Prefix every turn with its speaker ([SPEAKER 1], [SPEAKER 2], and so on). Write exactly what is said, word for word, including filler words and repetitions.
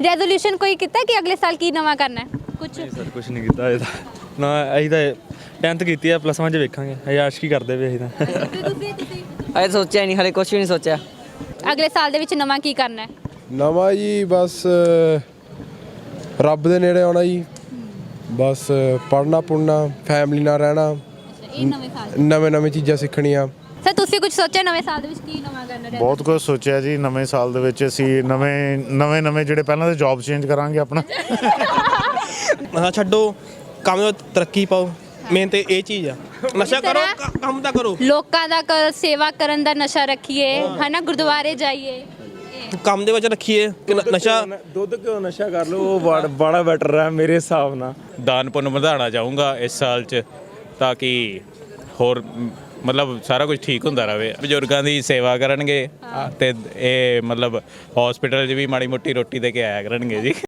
[SPEAKER 1] Resolution ਕੋਈ ਕੀਤਾ ਕਿ ਅਗਲੇ ਸਾਲ ਕੀ ਨਵਾਂ ਕਰਨਾ ਹੈ ਕੁਝ?
[SPEAKER 2] ਸਰ ਕੁਝ ਨਹੀਂ ਕੀਤਾ ਇਹ ਤਾਂ ਨਾ, ਅਸੀਂ ਤਾਂ ਟੈਂਥ ਕੀਤੀ ਆ, ਪਲੱਸ ਵਨ 'ਚ ਵੇਖਾਂਗੇ। ਅਸੀਂ ਆਸ਼ਕੀ ਕਰਦੇ ਪਏ ਅਸੀਂ ਤਾਂ।
[SPEAKER 1] ਤੁਸੀਂ ਤੁਸੀਂ
[SPEAKER 3] ਅਜੇ ਸੋਚਿਆ ਨਹੀਂ, ਹਲੇ ਕੁਝ ਵੀ ਨਹੀਂ ਸੋਚਿਆ।
[SPEAKER 1] ਅਗਲੇ ਸਾਲ ਦੇ ਵਿੱਚ ਨਵਾਂ ਕੀ ਕਰਨਾ ਹੈ?
[SPEAKER 4] ਨਵਾਂ ਜੀ ਬਸ ਰੱਬ ਦੇ ਨੇੜੇ ਆਉਣਾ ਜੀ, ਬਸ ਪੜ੍ਹਨਾ ਪੁੜਨਾ, ਫੈਮਿਲੀ ਨਾਲ ਰਹਿਣਾ,
[SPEAKER 1] ਇਹ ਨਵੇਂ ਸਾਲ
[SPEAKER 4] ਨਵੇਂ ਨਵੇਂ ਚੀਜ਼ਾਂ ਸਿੱਖਣੀਆਂ।
[SPEAKER 1] ਸਰ ਤੁਸੀਂ ਕੁਝ ਸੋਚਿਆ ਨਵੇਂ ਸਾਲ ਦੇ ਵਿੱਚ ਕੀ ਨਵਾਂ ਕਰਨਾ ਹੈ?
[SPEAKER 5] ਬਹੁਤ ਕੁਝ ਸੋਚਿਆ ਜੀ। ਨਵੇਂ ਸਾਲ ਦੇ ਵਿੱਚ ਅਸੀਂ ਨਵੇਂ ਨਵੇਂ ਨਵੇਂ ਜਿਹੜੇ ਪਹਿਲਾਂ ਤਾਂ ਜੌਬ ਚੇਂਜ ਕਰਾਂਗੇ ਆਪਣਾ।
[SPEAKER 6] ਨਸ਼ਾ ਛੱਡੋ, ਕੰਮ ਵਿੱਚ ਤਰੱਕੀ ਪਾਓ, ਮੇਨ ਤੇ ਇਹ ਚੀਜ਼ ਆ। ਨਸ਼ਾ ਕਰੋ, ਕ- ਕੰਮ ਤਾਂ ਕਰੋ।
[SPEAKER 1] ਲੋਕਾਂ ਦਾ ਕ- ਸੇਵਾ ਕਰਨ ਦਾ ਨਸ਼ਾ ਰੱਖੀਏ, ਹਨਾ, ਗੁਰਦੁਆਰੇ ਜਾਈਏ।
[SPEAKER 6] ਕੰਮ ਦੇ ਵਿੱਚ ਰੱਖੀਏ ਕਿ ਨ- ਨਸ਼ਾ
[SPEAKER 2] ਦੁੱਧ ਕਿਉਂ ਨਸ਼ਾ ਕਰ ਲਓ, ਉਹ ਬੜਾ ਬੜਾ ਬੈਟਰ ਹੈ ਮੇਰੇ ਹਿਸਾਬ ਨਾਲ।
[SPEAKER 7] ਦਾਨ ਪੁੰਨ ਵਧਾਉਣਾ ਚਾਹੂੰਗਾ ਇਸ ਸਾਲ 'ਚ, ਤਾਂ ਕਿ ਹੋਰ ਮ, ਮਤਲਬ ਸਾਰਾ ਕੁਝ ਠੀਕ ਹੁੰਦਾ ਰਹੇ। ਬਜ਼ੁਰਗਾਂ ਦੀ ਸੇਵਾ ਕਰਨਗੇ ਤੇ ਇਹ ਮਤਲਬ ਹਸਪੀਟਲ 'ਚ ਵੀ ਮਾੜੀ ਮੋਟੀ ਰੋਟੀ ਦੇ ਕੇ ਆਇਆ ਕਰਨਗੇ ਜੀ।